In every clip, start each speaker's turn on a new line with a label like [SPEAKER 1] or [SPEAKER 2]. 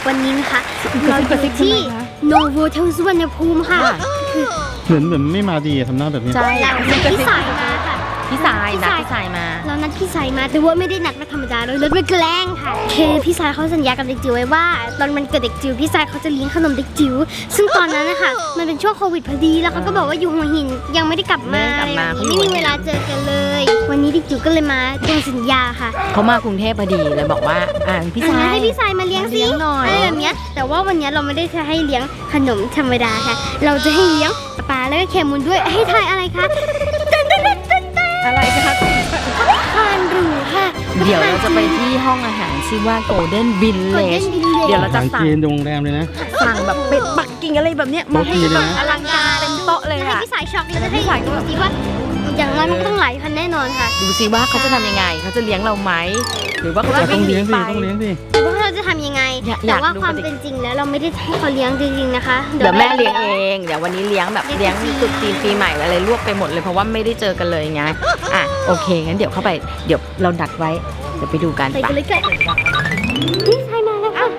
[SPEAKER 1] วันนี้นะคะเราอยู่ที่โนโวเทลสุวรรณภูมิค่ะคือ
[SPEAKER 2] เหมือนไม่มาดีทำหน้าแบบนี้
[SPEAKER 3] ใช่
[SPEAKER 1] เราพี่สายมาค่ะ
[SPEAKER 3] พี่สายนัดพี่สายมา
[SPEAKER 1] เรานัดพี่สายมาแต่ว่าไม่ได้นัดมาธรรมดาเรานัดมาแกล้งค่ะคือพี่สายเขาสัญญากับเด็กจิ๋วไว้ว่าตอนมันเกิดเด็กจิ๋วพี่สายเขาจะเลี้ยงขนมเด็กจิ๋วซึ่งตอนนั้นนะคะมันเป็นช่วงโควิดพอดีแล้วเขาก็บอกว่าอยู่หัวหินยังไม่ได้กลับมาไม่มีเวลาเจอกันเลย วันนี้เด็กจิ๋วก็เลยมาตรงสัญญาค่ะ
[SPEAKER 3] เขามากรุงเทพพอดีเลยบอกว่าพี่สาย
[SPEAKER 1] ให้พี่สายมาเลี้ยงสิ
[SPEAKER 3] เลี้ยงหน่อย
[SPEAKER 1] อะไรแบบเนี้ยแต่ว่าวันนี้เราไม่ได้จะให้เลี้ยงขนมธรรมดาค่ะ เราจะให้เลี้ยงปลาแล้วก็แคมูลด้วยให้ทายอะไรคะ
[SPEAKER 3] อะไรคะ
[SPEAKER 1] ทานหรูค่ะ
[SPEAKER 3] เดี๋ยวเราจะไปที่ห้องอาหารชื่อว่า Golden Village เดี๋ยวเราจะ
[SPEAKER 2] สั่ง
[SPEAKER 3] สั่ง
[SPEAKER 2] จีนโรงแรมเลยนะ
[SPEAKER 3] สั่งแบบเป็ดปักกิ่งอะไรแบบเนี้ยมาให้
[SPEAKER 2] โต๊ะจีนเลย
[SPEAKER 3] แบบ
[SPEAKER 2] นะ
[SPEAKER 3] อลังการเต็มโต๊ะเลย
[SPEAKER 1] ให้
[SPEAKER 3] ค่ะ
[SPEAKER 1] พี่สายช็อกแล้วจะให้พี่สายดูสิว่าอย่างน้อยมันก็ต้องหลายพันแน่นอนค่ะ
[SPEAKER 3] ดูสิว่าเขาจะทำยังไงเขาจะเลี้ยงเราไหมหรือว่าเขาจะ
[SPEAKER 2] ต้
[SPEAKER 3] วิ่
[SPEAKER 2] อง
[SPEAKER 3] งหนี
[SPEAKER 2] เลี้ยงสิ
[SPEAKER 3] ไป
[SPEAKER 2] ต้องเลี้ยงสิ
[SPEAKER 1] ว่าเราจะทำยังไง
[SPEAKER 3] อยาก
[SPEAKER 1] แต่ว่า
[SPEAKER 3] ดู
[SPEAKER 1] ความ
[SPEAKER 3] ปฏิ
[SPEAKER 1] เป็นจริงแล้วเราไม่ได้ให้เขาเลี้ยงจริงๆนะคะ
[SPEAKER 3] เดี๋ยวแม่เลี้ยงเองเดี๋ยววันนี้เลี้ยงแบบเลี้ยงตรุษจีนปีใหม่อะไรรวบไปหมดเลยเพราะว่าไม่ได้เจอกันเลยไงโอเคงั้นเดี๋ยวเข้าไปเดี๋ยวเราดักไว้เดี๋ยวไปดูกัน
[SPEAKER 1] ไป
[SPEAKER 3] ปะ
[SPEAKER 1] กันเลยค่ะพี่ชายมาแล้วค่ะ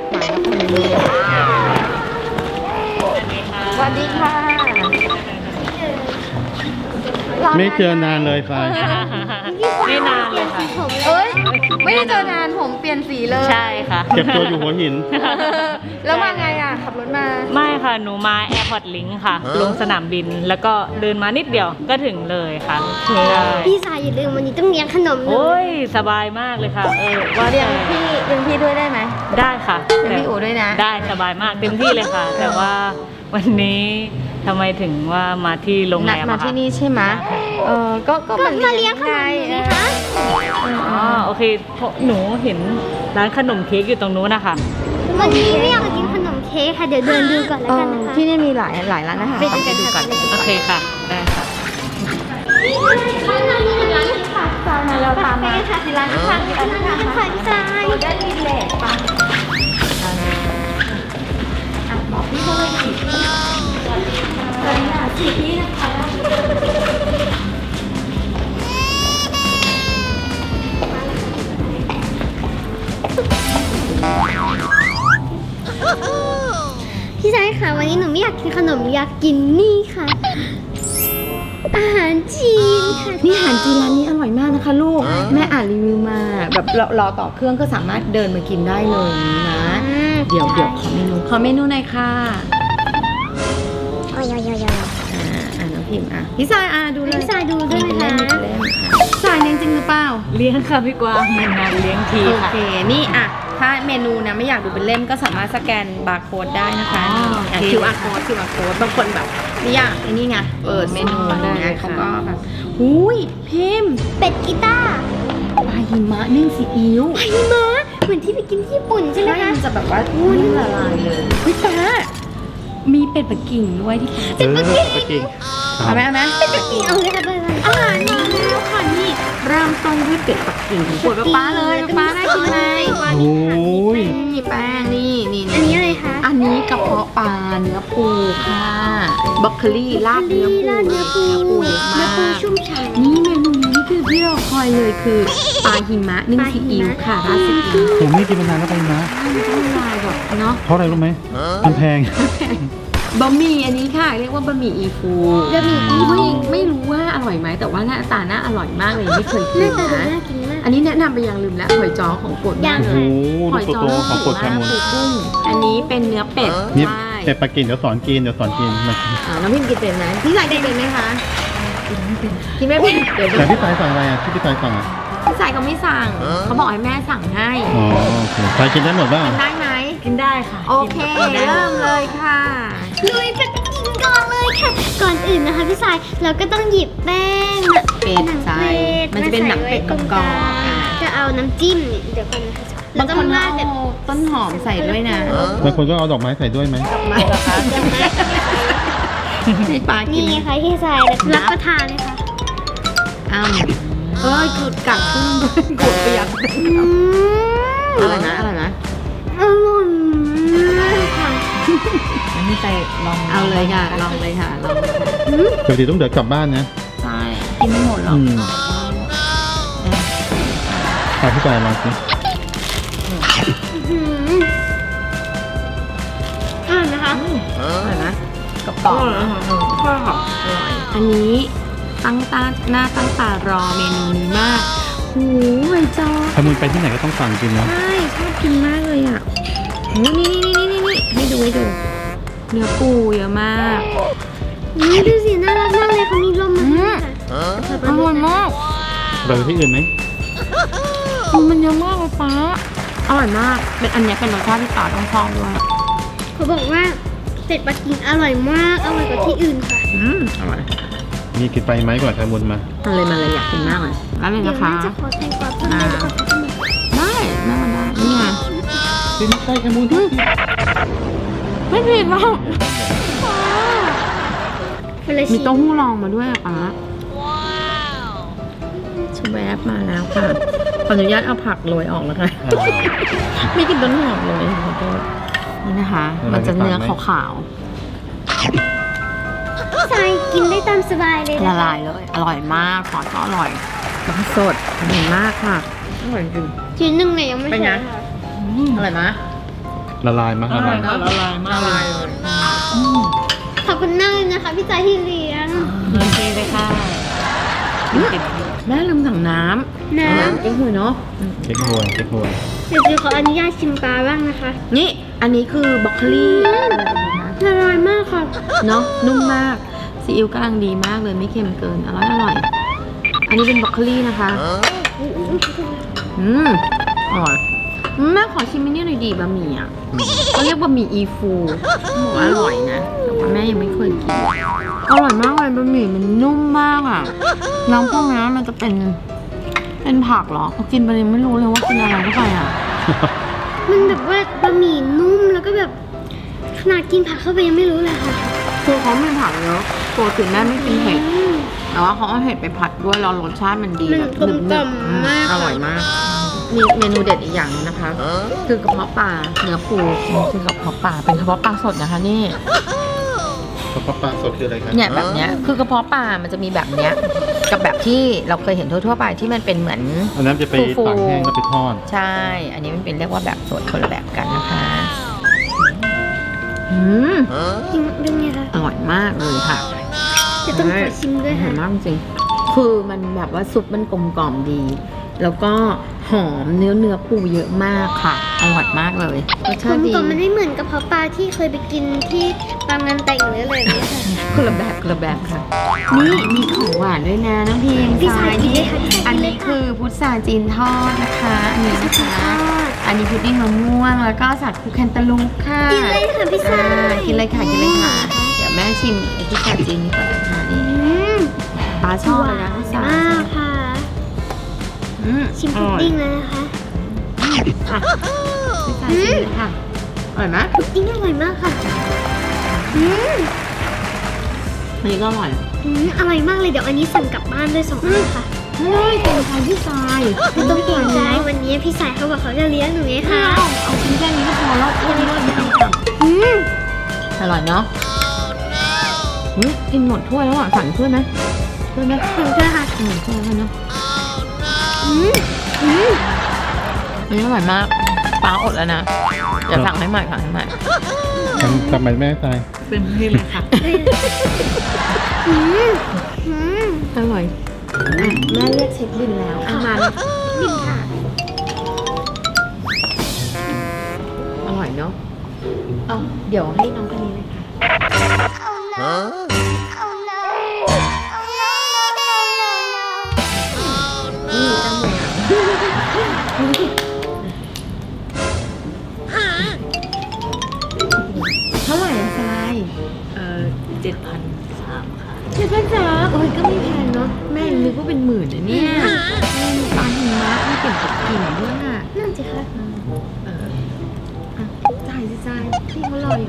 [SPEAKER 3] สวัสดีค่ะ
[SPEAKER 2] ไม่เจอนานเลยฟาย
[SPEAKER 4] ไม่นานเลยค่ะ
[SPEAKER 3] เอ้ยไม่ได้เจอนานผมเปลี่ยนสีเลย
[SPEAKER 4] ใช่ค่ะ
[SPEAKER 2] เก็บตัวอยู่หัวหิน
[SPEAKER 3] แล้วมาไงอ่ะขับรถมา
[SPEAKER 4] ไม่ค่ะ หนูมาแอร์พอร์ตลิงค์ค่ะ ลงสนามบิน แล้วก็เดินมานิดเดียวก็ถึงเลยค่ะใช่
[SPEAKER 1] พี่ชายอย่าลืมวันนี้ต้องเลี้ยงขนมเล
[SPEAKER 4] โอ้
[SPEAKER 1] ย
[SPEAKER 4] ย สบายมากเลยค่ะ ว่า
[SPEAKER 3] เรียงพี่ด้วยได้ไหม
[SPEAKER 4] ได้ค่ะ
[SPEAKER 3] เรียงพี่อู๋ด้วยนะ
[SPEAKER 4] ได้สบายมากเต็มที่เลยค่ะ แต่ว่าวันนี้ทำไมถึงว่ามาที่โรงแร
[SPEAKER 3] นัด
[SPEAKER 4] ม
[SPEAKER 3] มา
[SPEAKER 4] อะคะ
[SPEAKER 3] ที่นี่ใช่ไหมก็
[SPEAKER 1] ก็มาเลี้ยงขนมไงคะ
[SPEAKER 4] อ๋อโอเคเพราะหนูเห็นร้านขนมเค้กอยู่ตรงนู้นนะคะ
[SPEAKER 1] วันนี้ไม่อยากกินขนมเค้กค่ะเดี๋ยวเดินดูก่อนแล้วกันนะคะ
[SPEAKER 3] ที่นี่มีหลายร้านอาหาร
[SPEAKER 1] ไปดู
[SPEAKER 3] ไปดูกัน
[SPEAKER 4] โอเคค่ะ ได้ค่ะ
[SPEAKER 1] ข้างในมีร้านที่ค่ะตามมาเราตามมาค่ะที่ร้านข้างๆร้านข้างๆค่ะพี่ชาย
[SPEAKER 3] ได้ดีเลยปะบอกพี่เขาเลยสิพี่นะคะ
[SPEAKER 1] พี่ชายค่ะวันนี้หนูไม่อยากกินขนมอยากกินนี่ค่ะ อาหารจีนค่ะ
[SPEAKER 3] นี่อาหารจีนร้านนี้อร่อยมากนะคะลูก แม่อ่านรีวิวมาแบบรอต่อเครื่องก็สามารถเดินมากินได้เลยนะ เดี๋ยวขอเมนูหน่อยค่ะ
[SPEAKER 1] โอ้ย
[SPEAKER 3] น้องพิมพ์พี่สายดูเลย
[SPEAKER 1] พี่ชายดูด้วยนะคะ
[SPEAKER 3] เล่นสายเลี้ยงจริงหรือเปล่า
[SPEAKER 4] เลี้ยงค่ะพี่กวางนานๆเลี้ยงที
[SPEAKER 3] โอ
[SPEAKER 4] ค่ะ
[SPEAKER 3] เคนี่ถ้าเมนูนะไม่อยากดูเป็นเล่มก็สามารถสแกนบาร์โค้ดได้นะคะ
[SPEAKER 4] อ๋อโอเค
[SPEAKER 3] QR code บางคนแบบไม่อยากไอ้นี่ไงเปิดเมนู
[SPEAKER 4] ได้
[SPEAKER 3] นะ
[SPEAKER 4] ค่ะ
[SPEAKER 3] เขาก็แบบหุยพิมพ์
[SPEAKER 1] เป็ดกีตาร์
[SPEAKER 3] ปลาหิมะนึ่งซีอิ๊ว
[SPEAKER 1] ไอ้ม้าเหมือนที่ไปกินที่ญี่ปุ่นใช่ไหม
[SPEAKER 3] ใช่
[SPEAKER 1] คะ
[SPEAKER 3] มันจะแบบว่านิ่มละลายเลยเฮ้ยป้ามีเป็ดปักกิ่งด้วยที่ป้า
[SPEAKER 2] ไปกิน
[SPEAKER 3] เอาไหม
[SPEAKER 1] เป็ดกีเอาเลยค่ะอาหารมาแล้วค่ะนี่
[SPEAKER 3] เริ่มต้นด้วยเป็ดปักกิ่งปวดป้าเลยป้าได้กินไหม
[SPEAKER 2] โอ้ย
[SPEAKER 3] นี่แป้งนี่
[SPEAKER 1] อันนี้อะไรคะ
[SPEAKER 3] อันนี้กระเพาะปลาเนื้อปูค่ะบล็อกโคลี่ราดเนื้อปู
[SPEAKER 1] ราดเนื้อปู
[SPEAKER 3] เยอะ
[SPEAKER 1] เนื้อ
[SPEAKER 3] มา
[SPEAKER 1] ปู
[SPEAKER 3] ก
[SPEAKER 1] ชุ่มฉ่ำ
[SPEAKER 3] นี่เมนูนี้คือที่เราคอยเลยคือปลาหิมะนึ่งซีอิ๊วค่ะราดซีอิ๊ว
[SPEAKER 2] ผมไม่กินมานานแล้วไปนะ
[SPEAKER 3] ต้องลายแบบเนาะ
[SPEAKER 2] เพราะอะไรรู้ไหมมันแพง
[SPEAKER 3] บะหมี่อันนี้ค่ะ เรียกว่าบะหมี่อีฟู
[SPEAKER 1] บะหมี่อีฟู
[SPEAKER 3] ไม่รู้ว่าอร่อยไหมแต่ว่าหน้าตาน่าอร่อยมากเลยไม่เคยกิ
[SPEAKER 1] หน้าน ตาดู
[SPEAKER 3] นะ
[SPEAKER 1] น่ากินมาก
[SPEAKER 3] อันนี้แนะนำไปยังลืมแล้วหอยจ้อของโปรดมากเล
[SPEAKER 2] โอ้
[SPEAKER 3] ย
[SPEAKER 2] โห
[SPEAKER 3] หอย
[SPEAKER 2] ดู
[SPEAKER 3] จ้อ
[SPEAKER 2] โตๆของกดแคมูล
[SPEAKER 3] ปูกุ้งอันนี้เป็นเนื้อเป็ด
[SPEAKER 2] นี่
[SPEAKER 3] ใช่
[SPEAKER 2] เป็ดปักกิ่งเดี๋ยวสอนกินมา
[SPEAKER 3] น้องพิมกินเป็นไหมพี่สายกินเป็นไหมคะกินไม่เป็นเดี๋ยว
[SPEAKER 2] แต่พี่สายสั่งอะไรที่พี่สายสั่ง
[SPEAKER 3] พี่สายเขาไม่สั่งเขาบอกให้แม่สั่งให้
[SPEAKER 2] อ๋อโอเคสายกินได้หมดบ้าง
[SPEAKER 3] กินได้ไหม
[SPEAKER 4] กินได้ค่ะ
[SPEAKER 3] โอเคเริ่มเลยค่ะ
[SPEAKER 1] ลุยเป็ดกินก่อนเลยค่ะ ก่อนอื่นนะคะพี่สายเราก็ต้องหยิบแป้ง
[SPEAKER 3] เป็ดใส่มันจะเป็นหนังเป็ดกรอบๆ
[SPEAKER 1] จะเอาน้ำจิ้มเดี๋ยวก่อนนะคะเรา
[SPEAKER 3] บาง
[SPEAKER 1] ต้อ
[SPEAKER 3] ค
[SPEAKER 1] ง
[SPEAKER 3] น
[SPEAKER 1] ราดแบบ
[SPEAKER 3] เอาต้นหอมใส่ด้วยนะ
[SPEAKER 2] บางคนก็เอาดอกไม้ใส่ด้วยไหม
[SPEAKER 3] ไม่หรอคะให้ปลากิน
[SPEAKER 1] นี่ค่ะพี่สายรับประทานเลยค่ะ
[SPEAKER 3] กุดกัดครึ่งด้วยกุดเปียกอร่อยนะ
[SPEAKER 1] อร่อยมากค่ะ
[SPEAKER 4] อันนี้ไปลอง
[SPEAKER 3] เอาเลยค่ะ ลองเลยค่ะลอง
[SPEAKER 2] ปกติต้องเดินกลับบ้านนะ
[SPEAKER 3] ใช่กินไม่หมดหรอก
[SPEAKER 2] พาพี่สายลองสิ
[SPEAKER 3] กรอบอันนี้ตั้งตาหน้าตั้งตารอเมนูนี้มากหูใบจอ
[SPEAKER 2] ถ้ามึงไปที่ไหนก็ต้องสั่งกินนะ
[SPEAKER 3] ใช่ชอบกินมากเลยอ่ะนี่ให้ดูเนื้อปูเยอะมาก
[SPEAKER 1] นี่ดูสิน่ารักมากเลยเขามีร่มมาให้ค่ะ
[SPEAKER 3] อร่อยมาก
[SPEAKER 2] ไปที่อื่นไหม
[SPEAKER 3] มันเยอะมากเลยป้าอร่อยมากเป็นอันนี้เป็นรสชาติที่ป้าต้องชอบด้วย
[SPEAKER 1] เขาบอกว่าเป็ดปักกิ่งอร่อยมากอร่อยกว่าที่อื่นค่ะ
[SPEAKER 3] อร่อย
[SPEAKER 2] มีกินไปไหมก่อนใครบุญมา
[SPEAKER 3] มันเลยอยากกินมากเลยร้านเลย
[SPEAKER 1] เดี๋ยว
[SPEAKER 3] นะคะ
[SPEAKER 1] แม่จะขอแตงกวาเพิ่มไปด้วยค่ะ
[SPEAKER 3] ได้แม่มันได้นี่ไง
[SPEAKER 2] กินใกล้ใครบุญทุกที
[SPEAKER 3] ไม่ผิดหรอก
[SPEAKER 1] คนละ
[SPEAKER 3] มี
[SPEAKER 1] ชิ้น
[SPEAKER 3] เต้าหู้รองมาด้วยอะป้าชูแวบมาแล้วค่ะขออนุญาตเอาผักโรยออกแล้วค่ะ ไม่กินต้นหอมเลยขอโทษนี่นะคะ มันจะเนื้อขาว
[SPEAKER 1] พี่ชายกินได้ตามสบายเลย
[SPEAKER 3] ๆ
[SPEAKER 1] นะ
[SPEAKER 3] ละลายเลย อร่อยมากซอสก็อร่อยแล้วก็สดอร่อยมากค่ะอร่อยจริง
[SPEAKER 1] ชิ้นหนึ่งเนี่ยยังไม่
[SPEAKER 3] เป็นไง
[SPEAKER 1] ใช่ค่ะ
[SPEAKER 3] อร่อยไหม
[SPEAKER 2] ละลายมาก
[SPEAKER 4] อ
[SPEAKER 2] ละ
[SPEAKER 4] ร่อ
[SPEAKER 2] ลาย ย
[SPEAKER 4] ค่ะละลายมากเลย
[SPEAKER 1] ขอบคุณมากเลยนะคะพี่ชายที่เลี้ยง
[SPEAKER 4] โอเคเลยค่ะ
[SPEAKER 3] แม่ลืมสั่งน้
[SPEAKER 1] น้
[SPEAKER 3] ำเก๊กฮวยเนาะ
[SPEAKER 2] เค้กฮวยเค้กฮวย
[SPEAKER 1] ำเดี๋ยวจิวขออนุญาตชิมปลาบ้างนะคะ
[SPEAKER 3] นี่อันนี้คือบรอกโคลี
[SPEAKER 1] ละลายมากค่ะ
[SPEAKER 3] เนาะนุ่มมากซีอิ๊วกำลังดีมากเลยไม่เค็มเกินอร่อยอันนี้เป็นบรอกโคลีนะคะอร่อยแม่ขอชิมอันนี้หน่อยดีบะหมี่อ่ะเขาเรียกบะหมี่อีฟูบอกว่าอร่อยนะแต่ว่าแม่ยังไม่เคยกินอร่อยมากเลยบะหมี่มันนุ่มมากอ่ะน้ำพวกนี้มันจะเป็นผักเหรอพอกินไปเลยไม่รู้เลยว่ากินอะไรเข้าไปอ่ะ
[SPEAKER 1] มันแบบว่าบะหมี่นุ่มแล้วก็แบบขนาดกินผักเข้าไปยังไม่รู้เลยค่ะ
[SPEAKER 3] คือเขาไม่ผักเยอะปกติแม่ไม่กินเผ็ด แต่ว่าเขาเอาเห็ดไปผัดด้วยแล้วรสชาติมันดี
[SPEAKER 1] มัน
[SPEAKER 3] แบบ
[SPEAKER 1] กลมกล่อมมาก
[SPEAKER 3] อร่อยมาก มีเมนูเด็ดอีกอย่างนึงนะคะ คือกระเพาะปลาเนื้อปูคือกระเพาะปลาเป็นกระเพาะปลาสดนะคะนี่
[SPEAKER 2] กระเพาะปลาสดคืออะไรครับ
[SPEAKER 3] เนี่ยแบบเนี้ยคือกระเพาะปลามันจะมีแบบเนี้ยกับแบบที่เราเคยเห็นทั่วๆไปที่มันเป็นเหมือน
[SPEAKER 2] อันนั้นจะไป
[SPEAKER 3] ฟูๆ
[SPEAKER 2] ตากแห้งแล้วไปทอด
[SPEAKER 3] ใช่ อันนี้มันเป็นเรียกว่าแบบสดคนละแบบกันนะคะ
[SPEAKER 1] จริงยังไงคะ
[SPEAKER 3] อร่อยมากเลยค่ะ
[SPEAKER 1] จะต้องขอชิมด้วย
[SPEAKER 3] อร่
[SPEAKER 1] ค่ะ
[SPEAKER 3] อยมากจริงคือมันแบบว่าซุปมันกลมกล่อมดี แล้วก็หอมเนื้อปูเยอะมากค่ะ อร่อยมากเลยรส
[SPEAKER 1] กล
[SPEAKER 3] ชาติ
[SPEAKER 1] ม
[SPEAKER 3] ดี
[SPEAKER 1] กล่อมมันไม่เหมือนกระเพาะปลาที่เคยไปกินที่ตามงานแต่งหรืออะไรอย่างเงี้ยค่ะ
[SPEAKER 3] คนละแบบค่ะ นี่มีของหวานด้วยนะน้องพิม
[SPEAKER 1] พี่สาย
[SPEAKER 3] นี่
[SPEAKER 1] กินเลยค่ะพี่สายกินเลยค่ะ
[SPEAKER 3] อันนี้คือพุทราจีนทอดนะคะ อันนี้นะคะ อันนี้พุดดิ้งมะม่วง แล้วก็สัตว์คูแคนตาลูปค่ะ
[SPEAKER 1] กินเลยค่ะพี่สาย
[SPEAKER 3] กินเลยค่ะ เดี๋ยวแม่ชิมไอ้พุทราจีนนี้ก่อนนะคะนี่ ปลาชอบเลยนะพุทราม
[SPEAKER 1] ากค่ะ ชิมพุดดิ้งแล้วนะคะ
[SPEAKER 3] ค่ะพุทราชิมเลยค่ะอร่อยไหม
[SPEAKER 1] พุดดิ้งอร่อยมากค่ะอืม
[SPEAKER 3] อันนี้ก็อร่อย
[SPEAKER 1] อร่อยมากเลยเดี๋ยวอันนี้สั่งกลับบ้านด้วย2 อันค่ะ
[SPEAKER 3] เฮ้ยเป็นทานพี่ทราย
[SPEAKER 1] ไม่ต้องเกรงใจวันนี้พี่สายเขาบอกเขาจะเลี้ยงหนูไงคะ
[SPEAKER 3] เอาชิ้นแค่นี้ก็พอแล้วแค่นี้ก็ดีค่ะอร่อยเนาะกินหมดถ้วยแล้วอ่ะสั่งถ้วยไหมถ้วยไหม
[SPEAKER 1] ขอบคุณค่ะ
[SPEAKER 3] ถ้วยแล้วเนาะ
[SPEAKER 1] อืมอืม
[SPEAKER 3] อันนี้อร่อยมากป้าอดแล้วนะเดี๋ยวสั่งให้ใหม่ค่ะให้ใหม่
[SPEAKER 2] ทำไมแม่ตาย
[SPEAKER 4] เป็นที่เลยค่ะ
[SPEAKER 1] อืมอืม
[SPEAKER 3] อร่อยแม่เรียกเช็คบินแล้วเอามา
[SPEAKER 1] บินค่ะ
[SPEAKER 3] อร่อยเนาะเอาเดี๋ยวให้น้องคนนี้เลยค่ะนี่ตั้งมือเท่าไหร่อะทราย
[SPEAKER 4] 7,300 ค่ะ
[SPEAKER 3] เจ็ดพันสามโอ้ยก็ไม่แพงเนาะแม่นึกว่าเป็นหมื่นนะเนี่ยมีปลาหิมะมีเก็บกับกิ่งด้วยอ่ะ
[SPEAKER 1] นั่นสิคะ
[SPEAKER 3] จ่ายสิจ่ายพี่เขารออยู่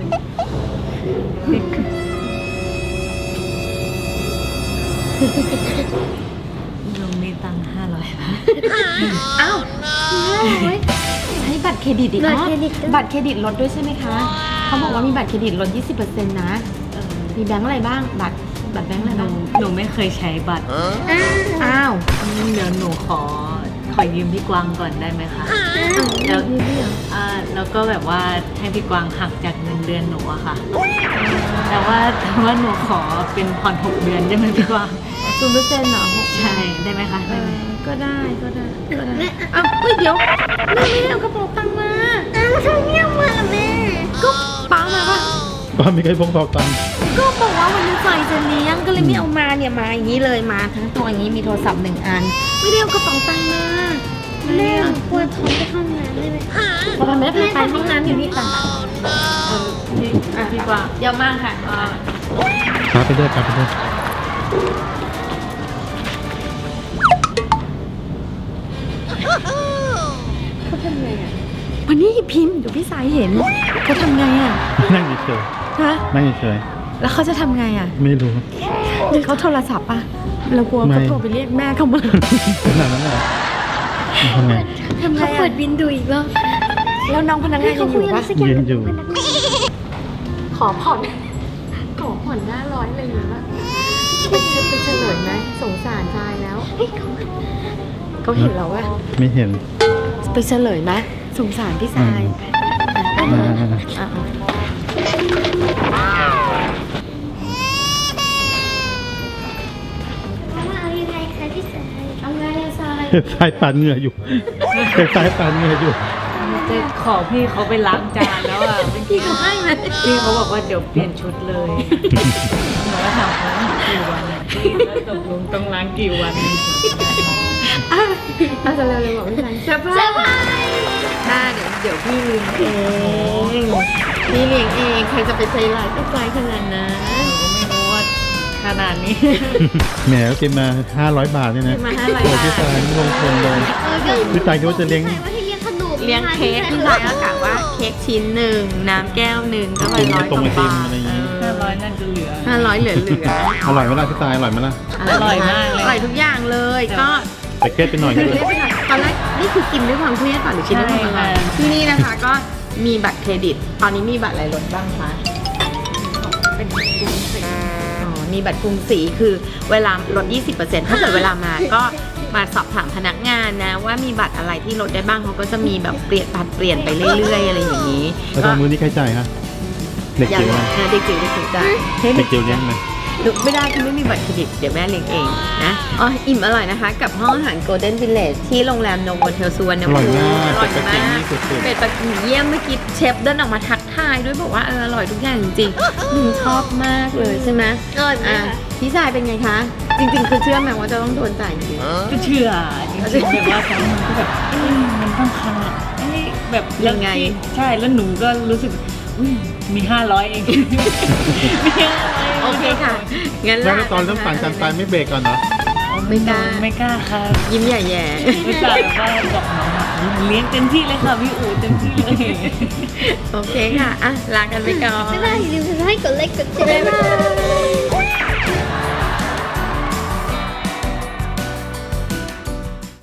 [SPEAKER 4] ลุงมีตังค์500 บาท
[SPEAKER 3] อ้าวใช้บัตรเครดิตอีก
[SPEAKER 1] บัตร
[SPEAKER 3] เนาะ
[SPEAKER 1] เครดิต
[SPEAKER 3] บัตรเครดิตลดด้วยใช่ไหมคะเขาบอกว่ามีบัตรเครดิตลด 20%นะมีแบงค์อะไรบ้างบัตรแบงค์อะไรบ้าง
[SPEAKER 4] หนูไม่เคยใช้บัตร
[SPEAKER 1] อ้าว
[SPEAKER 3] อ้าว
[SPEAKER 4] เดี๋ยวหนูขอขอยืมพี่กวางก่อนได้ไหมคะแล้วแล้วก็แบบว่าให้พี่กวางหักจากเงินเดือนหนูอะค่ะ แต่ว่าหนูขอเป็นผ่อน6 เดือนได้ไหมพี่กวาง
[SPEAKER 3] 0%เหรอ
[SPEAKER 4] ใช่ได้ไหมคะได้ไหม
[SPEAKER 3] ก็ได้อ้าวเฮ้ยเดี๋ยวแม่ไม่ได้เอากระเป๋าตังค์มา
[SPEAKER 1] แล้วทำไมเนี่ยมาล่ะแม่
[SPEAKER 3] ก็ป้ามาปะ
[SPEAKER 2] ป้าไม่เคยพกเป๋าตังค์
[SPEAKER 3] ก็บอกว่าวันนี้ใส่จะเลี้ยงก็เลยไม่เอามาเนี่ยมาอย่างนี้เลยมาทั้งตัวอย่างนี้มีโทรศัพท์1 อัน ไม่ได้เอากระเป๋าตังค์มา
[SPEAKER 1] แม่ปวดท้องไปเข้าห้องน้ำได้ไหม
[SPEAKER 3] พอทำแม่ไปห้องน้ำอยู่นี่ต่าง
[SPEAKER 4] พี่กวาง
[SPEAKER 3] เดี๋ยวมากค่ะ
[SPEAKER 2] พาไปด้วยพาไปด้วย
[SPEAKER 3] เขาทำไงอ่ะวันนี้พิมพ์เดี๋ยวพี่สายเห็นเขาทำไงอ่ะ
[SPEAKER 2] นั่งเฉย
[SPEAKER 3] ฮะ
[SPEAKER 2] ๆนั่งเฉย
[SPEAKER 3] แล้วเขาจะทำไงอ่ะ
[SPEAKER 2] ๆไม่รู้
[SPEAKER 3] เขาโทรศัพท์ป่ะเรากลัว
[SPEAKER 2] ไม่
[SPEAKER 3] เขาโทรไปเรียกแม่เขามา
[SPEAKER 2] ขนาดนั้นเลยทำไง
[SPEAKER 3] ทำไง
[SPEAKER 1] เขาเปิ
[SPEAKER 3] อ่ะ
[SPEAKER 1] ดบินดูอีกรอบ
[SPEAKER 3] แล้วน้องพนักงาน
[SPEAKER 1] เขา
[SPEAKER 3] ยังอ
[SPEAKER 1] คุย
[SPEAKER 3] ยู่
[SPEAKER 1] อะไร
[SPEAKER 3] ปะ
[SPEAKER 1] สักอย่าง
[SPEAKER 2] ยืนอยู่
[SPEAKER 3] ขอผ่อน500เลยหรือว่าเป็นเฉลยไหมสงสารชายแล้วเขาเห็นเราว่า
[SPEAKER 2] ไม่เห็น
[SPEAKER 3] ไปเฉลยไหมสงสารพี่สาย
[SPEAKER 2] อ่า
[SPEAKER 3] อ่ะ
[SPEAKER 1] ว่าเอายังไงคะพี่สาย
[SPEAKER 3] เอาไงอะทราย
[SPEAKER 2] เห็นสายปานเหงื่ออยู่เห็นสายปานเหงื่ออยู่
[SPEAKER 4] จะขอพี่เขาไปล้างจานแล้วอ่ะเมื่อกี้
[SPEAKER 3] ให้ไหม
[SPEAKER 4] พี่เขาบอกว่าเดี๋ยวเปลี่ยนชุดเลยหนูก็ถามเขากี่วันอะพี่แล้วตกลงต้องล้างกี่วัน
[SPEAKER 3] อาจจะเร็วๆบอกพี่สายเซอร์ไพรส์เดี๋ยวพี่เลี้ยงเองพี่เลี้ยงเองใครจะไปใจร้ายก็ใจขนาดนั้น
[SPEAKER 4] หนูก็ไม่รู้ว่าขนาดนี้
[SPEAKER 2] แหมกินมา500 บาทเนี่ยนะ
[SPEAKER 3] มา500
[SPEAKER 2] โอ้พี่สายลงทุนเลย พี่สายคิดว่าจะเลี้ยง
[SPEAKER 1] ว่าให้เลี้ยงขนม
[SPEAKER 3] เลี้ยงเค้กพี่สายก็กะว่าเค้กชิ้นหนึ่งน้ำแก้วหนึ่งก็ไป
[SPEAKER 2] กิน
[SPEAKER 3] ร้
[SPEAKER 2] ไอ
[SPEAKER 3] อย
[SPEAKER 2] ต
[SPEAKER 3] ก
[SPEAKER 2] รงไอ
[SPEAKER 3] ว่า
[SPEAKER 2] ติม
[SPEAKER 3] บาท
[SPEAKER 2] อะไรอย่างงี้
[SPEAKER 4] 500นั่นจะเหลือ
[SPEAKER 3] 500เหลือ
[SPEAKER 2] อร่อยไหมล่ะพี่สายอร่อยไหมล่ะ
[SPEAKER 4] อร่อยมากเลย
[SPEAKER 3] อร่อยทุกอย่างเลยก็
[SPEAKER 2] แต่เครียดไปหน่อย
[SPEAKER 3] คือ
[SPEAKER 2] นึง
[SPEAKER 3] เรียกไปหน่อยตอนแรกนี่คือกินด้วยความเครียดป่ะหรือกินด้วยความอร่อยที่นี่นะคะก็มีบัตรเครดิต ตอนนี้มีบัตรอะไรลดบ้างคะ
[SPEAKER 4] เป็นกรุงศรี
[SPEAKER 3] อ๋อมีบัตรกรุงศรีคือเวลาลด 20%ถ้าเกิดเวลามาก็มาสอบถามพนักงานนะว่ามีบัตรอะไรที่ลดได้บ้างเขาก็จะมีแบบเปลี่ยนบัตรเปลี่ยนไปเรื่อยๆอะไรอย่างนี้
[SPEAKER 2] แล้วตอนมื้อนี้ใครจ่ายฮะเด็ก
[SPEAKER 3] อย่าง
[SPEAKER 2] จิ๋วไหม
[SPEAKER 3] เด็กจิ๋วได้ให้
[SPEAKER 2] เด็กจิ๋วเลี้ยงไหม
[SPEAKER 3] ไม่ได้คือไม่มีบัตรเครดิตเดี๋ยวแม่เลี้ยงเองนะอ๋ออิ่มอร่อยนะคะ กับห้องอาหาร Golden Village ที่โรงแรมโนโวเทลสุวรรณ
[SPEAKER 2] อร่อย
[SPEAKER 3] ภูมิ
[SPEAKER 2] มาก
[SPEAKER 3] อร่อย
[SPEAKER 2] เป็ดปักกิ่ง
[SPEAKER 3] มาก
[SPEAKER 2] นี่สุด
[SPEAKER 3] เป็ดปักกิ่งเยี่ยมเมื่อกี้เชฟเดินออกมาทักทายด้วยบอกว่าอร่อยทุกอย่างจริงๆชอบมากเลยใช่ไหม
[SPEAKER 1] อร่อยไหม
[SPEAKER 3] อ่ะ
[SPEAKER 1] คะ
[SPEAKER 3] พี่ชายเป็นไงคะ จริงๆ คือเชื่อไหมว่าจะต้องโดนจ่ายจริง
[SPEAKER 4] ก็เชื่อจริงๆแบบว่าตอนนั้นก็แบบมันต้องขนาดแบบ
[SPEAKER 3] ยังไง
[SPEAKER 4] ใช่แล้วหนูก็รู้สึกอุ๊ยมี500เองมี500
[SPEAKER 3] โอเคค่ะงั้น
[SPEAKER 2] แล้วตอนเริ่มปั่นกันไปไม่เบรกก่อนเนาะ
[SPEAKER 3] ไม่กล้า
[SPEAKER 4] ไม่กล้าค่ะ
[SPEAKER 3] ยิ้มใหญ่แย่
[SPEAKER 4] ไม่กล้าแบบว่าบอกน้องอะเลี้ยงเต็มที่เลยค่ะพี่อู๋เต็มที่เลย
[SPEAKER 3] โอเคค่ะอ่ะลากันไปก่อน
[SPEAKER 1] ไม่ได้อย่าลืมกดไลค์กดแชร์